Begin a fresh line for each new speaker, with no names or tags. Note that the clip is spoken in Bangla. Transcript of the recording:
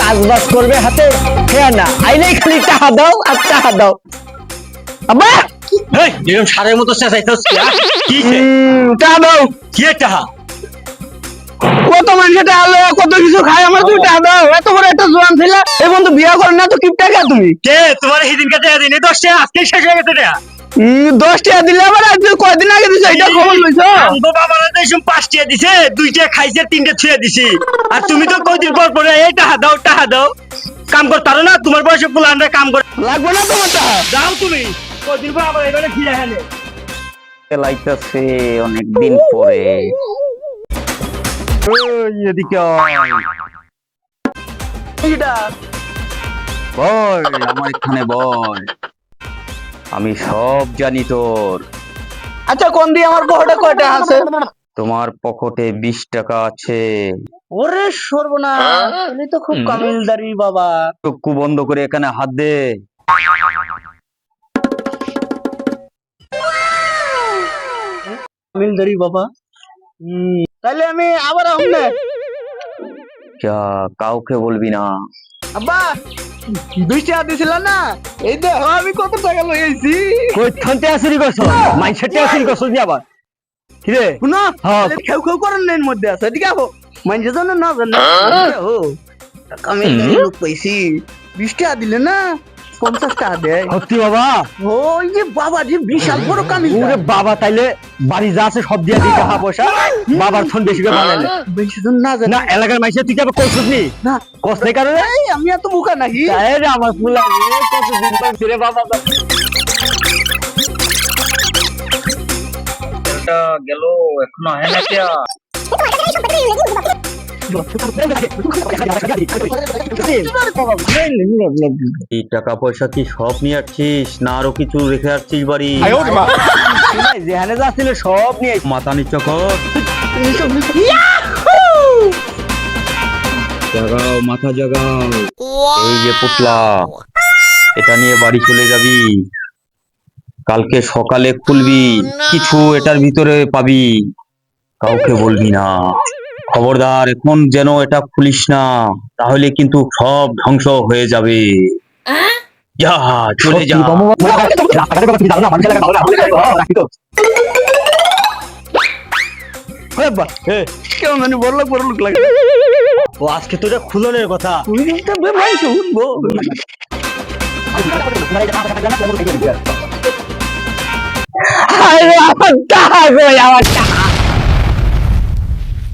কাজ বাজ করবে হাতে, হ্যাঁ না আইলেই খালি টাকা দাও আর টাকা দাও। আব্বা
এই এরকম সারের মতো চেঁচাইছস কি কি
টাকা দাও।
কি টাকা?
কত মানুষের টাকা লো, কত কিছু খায়, আমার তুমি টাকা দাও। এত বড় একটা জোয়ান ছেলে এই বন্ধু বিয়ে করেন না তো কি টাকা তুমি?
কে তোমার সেদিন কাছে দিনে 10 টাকা আজকে শেষ হয়ে গেছে টাকা।
10 টাকা দিলে আবার আজকে কয়দিন আগে দিছো এটা খবর লইছো?
আমগো বাবারা তো এসব 5 টাকা দিছে, 2 টাকা খাইছে, 3 টাকা ছুঁয়ে দিছি। আর তুমি তো কয়দিন পর পরে এই টাকা দাও টাকা দাও কাম করতারো না, তোমার বয়সে পুলানরা কাম করে
লাগবে না তোমার টাকা?
যাও তুমি কয়দিন পর আবার এবারে ফিরে হেলে
লাইতাছে অনেকদিন পরে। এদিকে
এটা
বল, আমার এখানে বল, আমি সব জানি তোর।
আচ্ছা কোন দিয়ে আমার পকেটে কয়টা আছে?
তোমার পকেটে 20 টাকা আছে।
ওরে সর্বনাশ, তুমি তো খুব কামিলদারি বাবা।
চক্ষু বন্ধ করে এখানে হাত দে।
কামিলদারি বাবা। তাহলে আমি আবার আসলে
যা, কাউকে বলবি না।
আব্বা 2 টাকা দিছিল না, এই দেখো আমি কত টাকা লই আইছি।
কই থানতে আসিরি গছ, মাইন্ডসেটে আসিরি গছ দি আবার। কি রে?
শুনো
হ্যাঁ।
খেউ খেউ করেন না এর মধ্যে আছে, এদিকে আহো। মাইন্ডে জানো না জানো ও কামিলদারি লোক পাইছি। 20 টাকা দিলে না 50 টাকা দেয়।
সত্যি বাবা?
ওই যে বাবা যে বিশাল বড় কামিল।
ওরে বাবা, তাইলে বাড়ি যা আছে সব দিয়া দি টাকা পয়সা। বাবার ফোন বেশি করে বানাইলে
বেশি জন না জানে
না, এলাকার মাইসে তুই যাবে কইছস নি?
না
কষ্টে কারণে
এই আমি এত বোকা নাকি?
এই রে আমার ফুলা রে, কতদিন পর ফিরে বাবা। এটা গেল এখনো হয় না কিয়া? এই টাকা পয়সা কি সব নিয়ে আসছিস না আরো কিছু রেখে আসছিস বাড়ি?
যেখানে যাচ্ছিল সব নিয়ে
মাথা নিচ্ছ কর, জাগাও মাথা জাগাও। এই যে পুতলা, এটা নিয়ে বাড়ি চলে যাবি, কালকে সকালে খুলবি, কিছু এটার ভিতরে পাবি, কাউকে বলবি না, খবরদার। এখন যেন এটা খুলিস না, তাহলে কিন্তু সব ধ্বংস হয়ে যাবে। যা চলে যা।
কেমন জানি বড় লোক লাগে।
ও আজকে তো এটা খুলনের কথা।
তুমি একটা বেমাই শুনবো। আরে আমার টাকা কই, আমার টাকা